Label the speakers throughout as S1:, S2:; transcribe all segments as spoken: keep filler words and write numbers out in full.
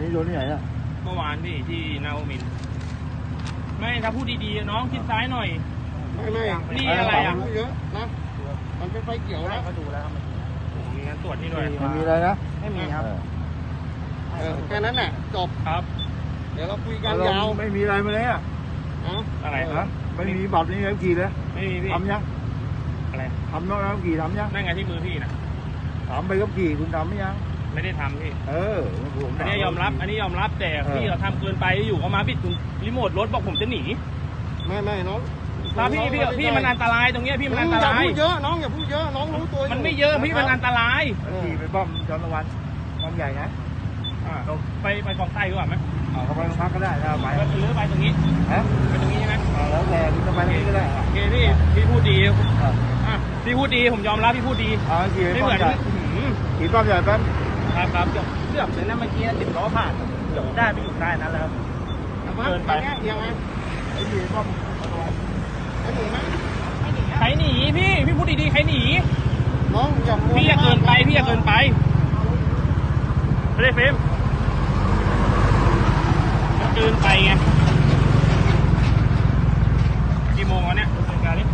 S1: โดนที่ไหนอ่ะ
S2: เมื่อวานพี่ที่นาโอมินไม่ถ้าพูดดีๆน้องคิดซ้ายหน่อย
S3: ไม่ไม่
S2: นี่อะไรอ่ะ
S3: เยอะนะมันเป็นไฟเขียวแล้ว
S2: ก็ดูแล้วครับมีการตรวจนี่ด้วย
S1: มันมีอะไรนะ
S2: ไม่มีครับ
S3: แค่นั้นแหละจบ
S2: ครับ
S3: เดี๋ยวเราคุยกันยาว
S1: ไม่มีอะไรมาเลยอ่ะ
S2: อะไร
S1: นะไม่มีบัตรนี่แล้วกี่เลย
S2: ไม่มีพี่
S1: ทำยัง
S2: อะไร
S1: ทำน้องแล้วกี่ทำยัง
S2: นั่นไงที่มือพี่นะ
S1: ถามไปก็กี่คุณทำไหมยัง
S2: ไม่ได้ทำพี่
S1: เออ
S2: อันนี้ยอมรับอันนี้ยอมรับแต่พี่เราทำเกินไปอยู่เขามาบิดรีโมทรถบอกผมจะหนี
S3: ไม่ไม่น้อง
S2: ถ้าพี่พี่พี่มันอันตรายตรงเนี้ยพี่มันอันตราย
S3: อย่าพูดเยอะน้องอย่าพูดเยอะน้องรู้ตัว
S2: มันไม่เยอะพี่มันอันตราย
S1: ขี่ไปบ้อมจอนวันบ้อมใหญ่นะ
S2: ไปไปกองใต้ดีกว่าไหม
S1: เขาไปโรงพักก็ได้ถ้าไป
S2: หรือไปตรงนี้
S1: ฮะ
S2: ไปตรงนี้ใช่ไหม
S1: แล้วแต่คุณจะไปตรงนี้ก็ได้
S2: โอเคพี่พี่พูดดีอ่ะพี่พูดดีผมยอมรับพี่พูดดี
S1: ไม่เหมือนขี่บ้อมใหญ่แป๊บ
S2: ครับครับเกือบเกือบเลยนะเมื่อกี้ติดล้อผ่านเกือบได้ไปอยู่ได้นั้นแล้ว
S3: เกินไปยังไง
S1: ไอ้ขี่บ้อม
S3: ไอ้หนีไหม
S2: ใครหนีพี่พี่พูดดีๆใครหนี
S3: น้องอย่า
S2: พี่อย่าเกินไปพี่อย่าเกินไปไม่ได้เฟมเกินไปไงกี่โมงวะเนี่ยเป็นการนี้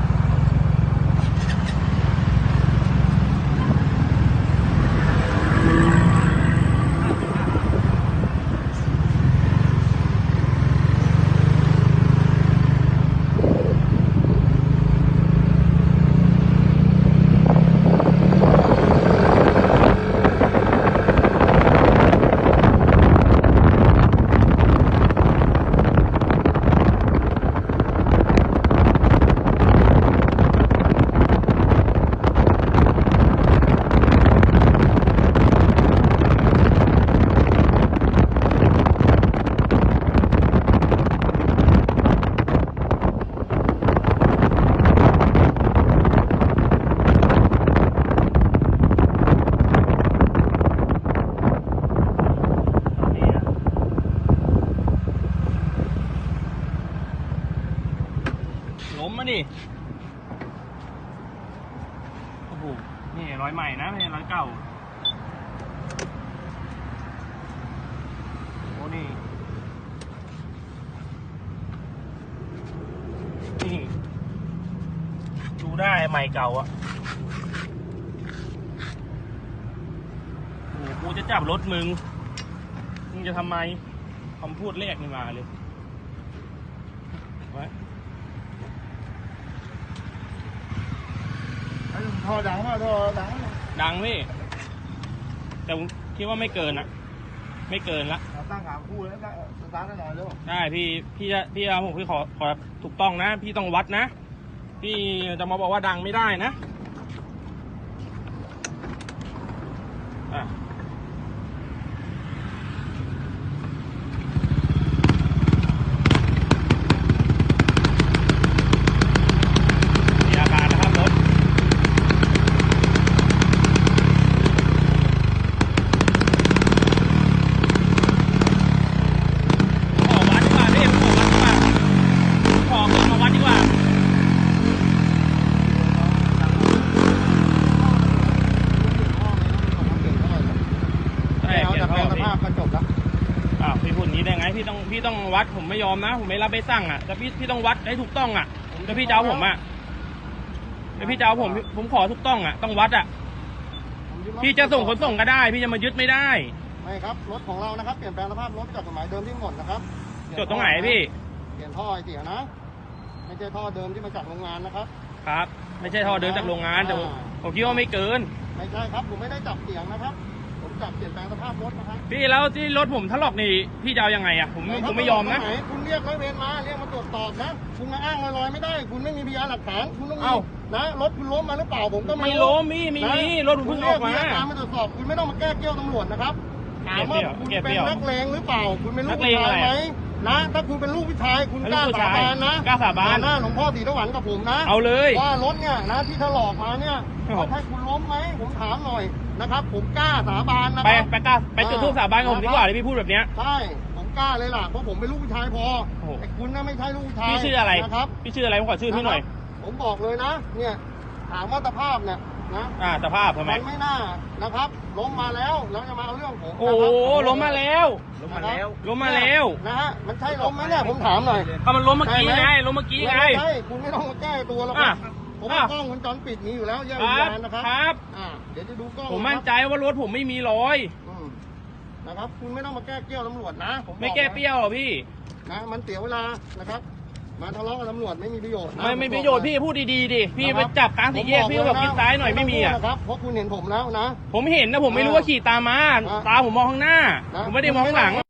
S2: ล้มมาดิโอ้โหนี่ร้อยใหม่นะไม่ใช่ร้อยเก่าโอ้นี่นี่ดูได้ใหม่เก่าอ่ะโอ้โหกูจะจับรถมึงมึงจะทำไมคำพูดแรกนี่มาเลยไว้
S1: ท่อดังมากท่อดัง
S2: ดังพี่แต่ผมคิดว่าไม่เกินนะไม่เกินละ
S1: ตั้งหางคู่แล้วสตาร์ทหน่อยเร็ว
S2: ได้พี่พี่จะพี่เอาผมพี่ขอขอถูกต้องนะพี่ต้องวัดนะพี่จะมาบอกว่าดังไม่ได้นะอ่ะพี่ต้องพี่ต้องวัดผมไม่ยอมนะผมไม่รับไปสั่งอ่ะแต่พี่พี่ต้องวัดให้ถูกต้องอ่ะแต่พี่เจ้าผมอ่ะแต่พี่เจ้าผมผมขอถูกต้องอ่ะต้องวัดอ่ะพี่จะส่งขนส่งก็ได้พี่จะมายึดไม่ได้
S3: ไม่ครับรถของเรานะครับเปลี่ยนแปลงสภาพรถจากกฎหมายเดิมที่หมดนะครับ
S2: จดตรงไหนพี่
S3: เปลี่ยนท่อไอเสียนะไม่ใช่ท่อเดิมที่มาจากโรงงานนะครับ
S2: ครับไม่ใช่ท่อเดิมจากโรงงานแต่ผมคิดว่าไม่เกิน
S3: ไม่ใช่ครับผมไม่ได้จับเสียงนะครับจับเปลี่ยนแปลงสภาพรถนะครับ
S2: พี่แล้วที่รถผมถลอกนี่พี่จะเอายังไงอ่ะผมผมไม่ยอมนะ
S3: คุณเรียกร้อยเวรมาเรียกมาตรวจสอบนะคุณมาอ้างลอยๆไม่ได้คุณไม่มีพยานหลักฐานคุณต้องเอานะรถคุณล้มมาหรือเปล่าผมก็
S2: ไม่ล้มมีมีมีรถผมเพิ่งออกมา
S3: เรียกพยานมาตรวจสอบคุณไม่ต้องมาแก้เกี้ยวตำรวจนะครับถามว่าคุณเป็นนักเลงหรือเปล่าคุณเป็นลูกผู้ชายไหมนะถ้าคุณเป็นลูกผู้ชายคุณกล้าสาบานนะ
S2: กล้าสาบาน
S3: หน้าหลวงพ่อศรีสวรรค์กับผมนะ
S2: เอาเลย
S3: ว่ารถเนี่ยนะที่ถลอกมาเนี่ยให้คุณล้มไหมผมถามหน่อยนะครับผมกล้าสาบานนะ
S2: ไปไปกล้าไปจุดทูปสาบานกับผมดีกว่าที่พี่พูดแบบเนี้ย
S3: ใช่ผมกล้าเลยล่ะเพราะผมเป็นลูกผู้ชายพอไอ้คุณน่ะไม่ใช่ลูกผู้ชาย
S2: พี่ชื่ออะไรนะครับพี่ชื่ออะไรผมขอชื่อพี่หน่อย
S3: ผมบอกเลยนะเนี่ยถามว่าสภาพเนี่ยนะ
S2: อ่าสภาพทำไม
S3: มันไม่น่านะครับล้มมาแล้วแล้วจะมาเอาเรื่องผม
S2: โอ้โหล้มมาแล้ว
S3: ล้มมาแล้ว
S2: ล้มมาแล้ว
S3: นะฮะมันใช่ล้มไหมเนี่ยผมถามหน่อย
S2: ก็มันล้มเมื่อกี้ไงล้มเมื่อกี้ไง
S3: ไม่ใช่คุณไม่ต้องมาแก้ตัวหรอกครับ
S2: อ่ะ
S3: ผมว่ากล้องวงจรปิดมีอยู่แล้วแยก
S2: ค
S3: วิญ
S2: รับ
S3: ญาณนะครับ
S2: ครับ
S3: อ่าเดี๋ยวจะดูกล้อง
S2: ผมมั่นใจว่ารถผมไม่มีรอย
S3: อืมนะครับคุณไม่ต้องมาแก้เกี้ยวตำรวจนะผมบอก
S2: ไม่แก้เปรี้ยวหรอพี่
S3: นะมันเสียเวลานะครับมาทะเลาะกับตำรวจไม่มีประโยชน์นะ
S2: ไม่ไม่
S3: ผ
S2: ประ
S3: บ
S2: โย
S3: อก
S2: ชน์พี่พูดดีๆดิพี่
S3: นะค
S2: ไป
S3: รับ
S2: จับกลางสี่แยกพี่ก็แบบคิดซ้ายหน่อยไม่มีอ่ะ
S3: ต้งพูดนะครับเพราะคุณเห็นผมแล้วนะ
S2: ผมเห็นนะผมไม่รู้ว่าขี่ตามมา
S3: อ่ะ
S2: ตาผมมองข้างหน้า
S3: นะ
S2: ผมไม่ได้มองข้างหลัง